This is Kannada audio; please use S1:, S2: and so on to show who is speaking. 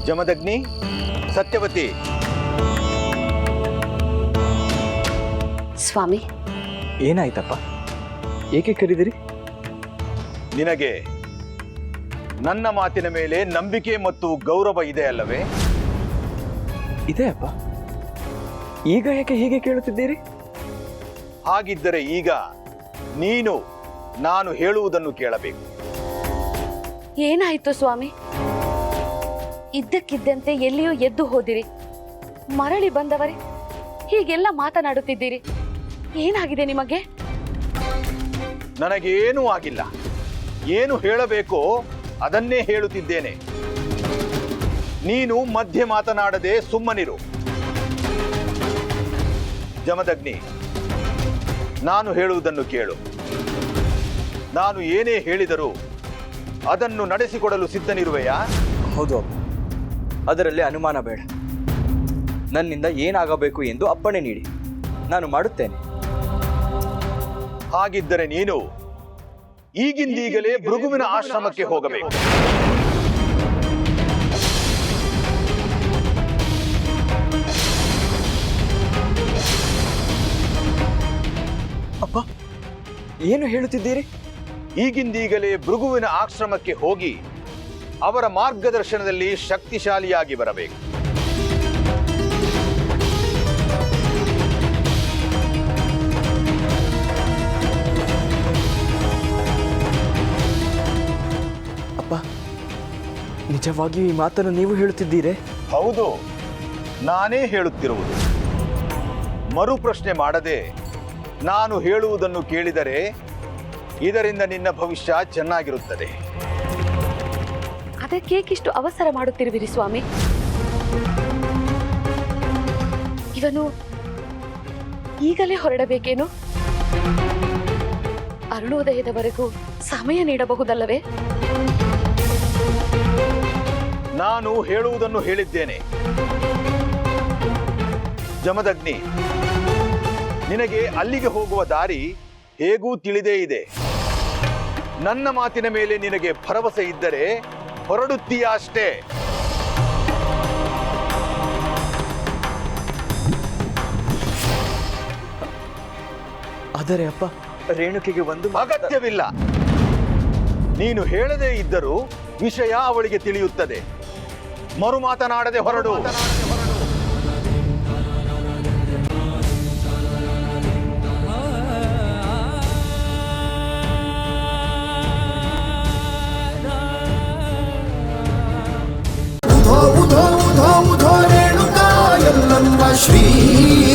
S1: ಜಮದಗ್ನಿ, ಸತ್ಯವತಿ.
S2: ಸ್ವಾಮಿ,
S3: ಏನಾಯ್ತಪ್ಪ? ಏಕೆ ಕರೆದಿರಿ?
S1: ನಿನಗೆ ನನ್ನ ಮಾತಿನ ಮೇಲೆ ನಂಬಿಕೆ ಮತ್ತು ಗೌರವ ಇದೆ ಅಲ್ಲವೇ?
S3: ಇದೆ ಅಪ್ಪ. ಈಗ ಯಾಕೆ ಹೀಗೆ ಕೇಳುತ್ತಿದ್ದೀರಿ?
S1: ಹಾಗಿದ್ದರೆ ಈಗ ನೀನು ನಾನು ಹೇಳುವುದನ್ನು ಕೇಳಬೇಕು.
S2: ಏನಾಯ್ತು ಸ್ವಾಮಿ? ಇದ್ದಕ್ಕಿದ್ದಂತೆ ಎಲ್ಲಿಯೂ ಎದ್ದು ಹೋದಿರಿ, ಮರಳಿ ಬಂದವರೇ ಹೀಗೆಲ್ಲ ಮಾತನಾಡುತ್ತಿದ್ದೀರಿ. ಏನಾಗಿದೆ ನಿಮಗೆ?
S1: ನನಗೇನೂ ಆಗಿಲ್ಲ. ಏನು ಹೇಳಬೇಕೋ ಅದನ್ನೇ ಹೇಳುತ್ತಿದ್ದೇನೆ. ನೀನು ಮಧ್ಯೆ ಮಾತನಾಡದೆ ಸುಮ್ಮನಿರು. ಜಮದಗ್ನಿ, ನಾನು ಹೇಳುವುದನ್ನು ಕೇಳು. ನಾನು ಏನೇ ಹೇಳಿದರೂ ಅದನ್ನು ನಡೆಸಿಕೊಡಲು ಸಿದ್ಧನಿರುವೆಯಾ?
S3: ಹೌದು ಅಪ್ಪ, ಅದರಲ್ಲಿ ಅನುಮಾನ ಬೇಡ. ನನ್ನಿಂದ ಏನಾಗಬೇಕು ಎಂದು ಅಪ್ಪಣೆ ನೀಡಿ, ನಾನು ಮಾಡುತ್ತೇನೆ.
S1: ಹಾಗಿದ್ದರೆ ನೀನು ಈಗಿಂದೀಗಲೇ ಭೃಗುವಿನ ಆಶ್ರಮಕ್ಕೆ ಹೋಗಬೇಕು.
S3: ಅಪ್ಪ, ಏನು ಹೇಳುತ್ತಿದ್ದೀರಿ?
S1: ಈಗಿಂದೀಗಲೇ ಭೃಗುವಿನ ಆಶ್ರಮಕ್ಕೆ ಹೋಗಿ ಅವರ ಮಾರ್ಗದರ್ಶನದಲ್ಲಿ ಶಕ್ತಿಶಾಲಿಯಾಗಿ ಬರಬೇಕು.
S3: ಅಪ್ಪ, ನಿಜವಾಗಿಯೂ ಈ ಮಾತನ್ನು ನೀವು ಹೇಳುತ್ತಿದ್ದೀರೇ?
S1: ಹೌದು, ನಾನೇ ಹೇಳುತ್ತಿರುವುದು. ಮರು ಪ್ರಶ್ನೆ ಮಾಡದೆ ನಾನು ಹೇಳುವುದನ್ನು ಕೇಳಿದರೆ ಇದರಿಂದ ನಿನ್ನ ಭವಿಷ್ಯ ಚೆನ್ನಾಗಿರುತ್ತದೆ.
S2: ಅದಕ್ಕೇಕಿಷ್ಟು ಅವಸರ ಮಾಡುತ್ತಿರುವಿರಿ ಸ್ವಾಮಿ? ಇವನು ಈಗಲೇ ಹೊರಡಬೇಕೇನು? ಅರುಣೋದಯದವರೆಗೂ ಸಮಯ ನೀಡಬಹುದಲ್ಲವೇ?
S1: ನಾನು ಹೇಳುವುದನ್ನು ಹೇಳಿದ್ದೇನೆ. ಜಮದಗ್ನಿ, ನಿನಗೆ ಅಲ್ಲಿಗೆ ಹೋಗುವ ದಾರಿ ಹೇಗೂ ತಿಳಿದೇ ಇದೆ. ನನ್ನ ಮಾತಿನ ಮೇಲೆ ನಿನಗೆ ಭರವಸೆ ಇದ್ದರೆ ಹೊರಡುತ್ತೀಯ ಅಷ್ಟೇ.
S3: ಆದರೆ ಅಪ್ಪ, ರೇಣುಕೆಗೆ ಒಂದು
S1: ಅಗತ್ಯವಿಲ್ಲ. ನೀನು ಹೇಳದೇ ಇದ್ದರೂ ವಿಷಯ ಅವಳಿಗೆ ತಿಳಿಯುತ್ತದೆ. ಮರು ಮಾತನಾಡದೆ ಹೊರಡು.
S4: ಉಧೋ ಉಧೋ ಉಧೋ ಉಧೋ ರೇಣುಕಾ ಯಲ್ಲಮ್ಮ ಶ್ರೀ